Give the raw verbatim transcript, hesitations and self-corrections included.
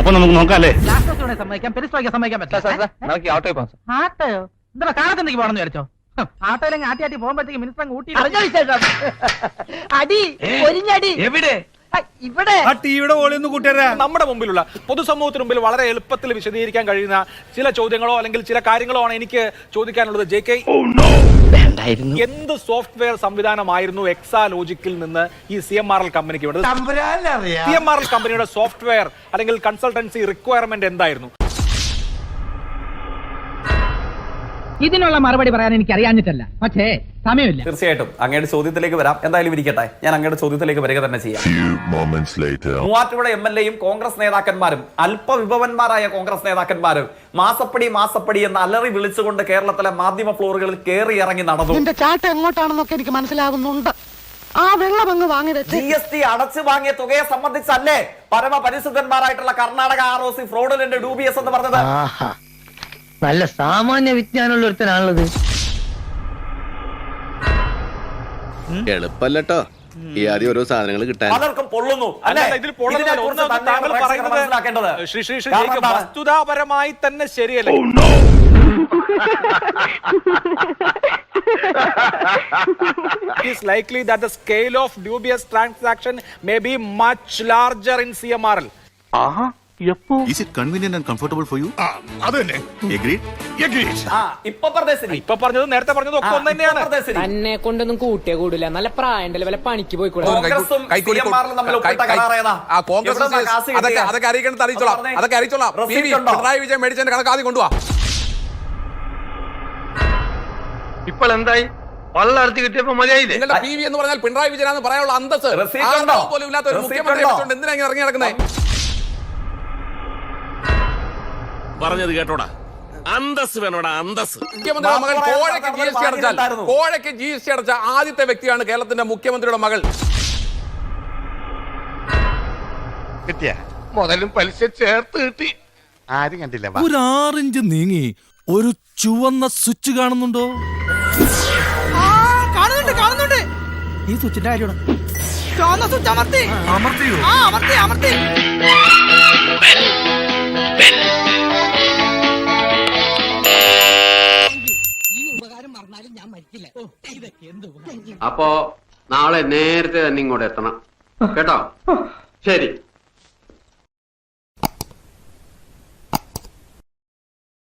അപ്പൊ നമുക്ക് നോക്കാം അല്ലേ? സമ്മതിക്കാം, പെരിസ്റ്റോയ്ക്ക് സമ്മതിക്കാൻ പറ്റില്ല. ഓട്ടോ പോകാം. ആട്ടയോ? എന്താ കാലത്തെന്തെങ്കിലും പോകണമെന്ന് വിചാരിച്ചോ? ആട്ടോയിലെങ്കിൽ ആട്ടി ആട്ടി പോകുമ്പോഴത്തേക്ക് മിനിസ്റ്റർ ഊട്ടി അടി ഒരിഞ്ഞടി എവിടെ? ഇവിടെ നമ്മുടെ മുമ്പിലുള്ള പൊതുസമൂഹത്തിന് മുമ്പിൽ വളരെ എളുപ്പത്തിൽ വിശദീകരിക്കാൻ കഴിയുന്ന ചില ചോദ്യങ്ങളോ അല്ലെങ്കിൽ ചില കാര്യങ്ങളോ ആണ് എനിക്ക് ചോദിക്കാനുള്ളത്. ജെ കെ, എന്ത് സോഫ്റ്റ്വെയർ സംവിധാനമായിരുന്നു എക്സാലോജിക്കിൽ നിന്ന് ഈ സി എം ആർ എൽ കമ്പനിക്ക് വേണ്ടത്? സി എം ആർ എൽ കമ്പനിയുടെ സോഫ്റ്റ്വെയർ അല്ലെങ്കിൽ കൺസൾട്ടൻസി റിക്വയർമെന്റ് എന്തായിരുന്നു? ഇതിനുള്ള മറുപടി പറയാൻ എനിക്ക് അറിയാഞ്ഞിട്ടല്ല, പക്ഷേ സമയമില്ല. തീർച്ചയായിട്ടും അങ്ങയുടെ ചോദ്യത്തിലേക്ക് വരാം. എന്തായാലും ഇരിക്കട്ടെ, ഞാൻ അങ്ങയുടെ ചോദ്യത്തിലേക്ക് വരിക തന്നെ ചെയ്യാം. മൂവാറ്റുപുഴ എം എൽ എയും കോൺഗ്രസ് നേതാക്കന്മാരും അല്പവിഭവന്മാരായ കോൺഗ്രസ് നേതാക്കന്മാരും മാസപ്പടി മാസപ്പടി എന്ന് അലറി വിളിച്ചുകൊണ്ട് കേരളത്തിലെ മാധ്യമ ഫ്ലോറുകളിൽ കയറി ഇറങ്ങി നടന്നു. ഇതിന്റെ ചാട്ട എങ്ങോട്ടാണെന്നൊക്കെ എനിക്ക് മനസ്സിലാകുന്നുണ്ട്. ആ വെള്ളം അങ്ങ് വാങ്ങി ജി എസ് ടി അടച്ചു വാങ്ങിയ തുകയെ സംബന്ധിച്ചല്ലേ പരമപരിശുദ്ധന്മാരായിട്ടുള്ള കർണാടക ആർ ഒ സി ഫ്രോഡിന്റെ ഡൂബിയസ് എന്ന് പറഞ്ഞത്? നല്ല സാമാന്യ വിജ്ഞാനമുള്ള ഒരുത്തനാണുള്ളത്. എളുപ്പല്ലോ ഈ ആദ്യം ഓരോ സാധനങ്ങൾ കിട്ടാൻ പലർക്കും പൊള്ളുന്നു. വസ്തുതാപരമായി തന്നെ ശരിയല്ലേ? It is likely that the scale of dubious transaction may be much larger in C M R L. ആഹാ, എപ്പോ? Is it convenient and comfortable for you? അതന്നെ. Agreed? Agreed. ആ, ഇപ്പൊ പറഞ്ഞത് ഇപ്പൊ പറഞ്ഞത് നേരത്തെ പറഞ്ഞത് ഒക്കെ ഒന്ന് തന്നെയാണ്. എന്നെ കൊണ്ടൊന്നും കൂട്ടിയേ കൂടില്ല. നല്ല പ്രായണ്ടല്ലേ, വല്ല പണിക്ക് പോയിക്കൂടാ. അതൊക്കെ അറിയിക്കണം, അറിയിച്ചോളാം. അതൊക്കെ അറിയിച്ചോളാം. പിണറായി വിജയൻ മേടിച്ചതിന്റെ കണക്ക് ആദ്യം കൊണ്ടുപോവാ. ഇപ്പോൾ എന്തായി? വള്ളർത്തി കിട്ടിയപ്പോ മതിയായില്ലേ? നിങ്ങളുടെ പി വി എന്ന് പറഞ്ഞാൽ പിണറായി വിജയനാന്ന് പറയാനുള്ള അന്തസ് പോലും ഇല്ലാത്ത ഒരു മുഖ്യമന്ത്രി എന്തിനാ ഇറങ്ങി നടക്കുന്നത്? പറഞ്ഞത് കേട്ടോടാ, അന്തസ് വേണോടാ, അന്തസ്. മുഖ്യമന്ത്രിയുടെ മകൾ കോഴയ്ക്ക് ജി എസ് ടി അടച്ചാൽ കോഴയ്ക്ക് ജി എസ് ടി അടച്ച ആദ്യത്തെ വ്യക്തിയാണ് കേരളത്തിന്റെ മുഖ്യമന്ത്രിയുടെ മകൾ. കിട്ടിയ മുതലും പലിശ ചേർത്ത് കിട്ടി. ആരും കണ്ടില്ല. ഒരു ആറിഞ്ച് നീങ്ങി ഒരു ചുവന്ന സ്വിച്ച് കാണുന്നുണ്ടോ? കാണുന്നുണ്ട് കാണുന്നുണ്ട്. ഈ സ്വിച്ചിന്റെ കാര്യമാണ്. ചുവന്ന സ്വിച്ച് അമർത്തി അമർത്തിയോ? ആ അമർത്തി അമർത്തി. അപ്പോ നാളെ നേരത്തെ തന്നെ ഇങ്ങോട്ട് എത്തണം കേട്ടോ? ശരി.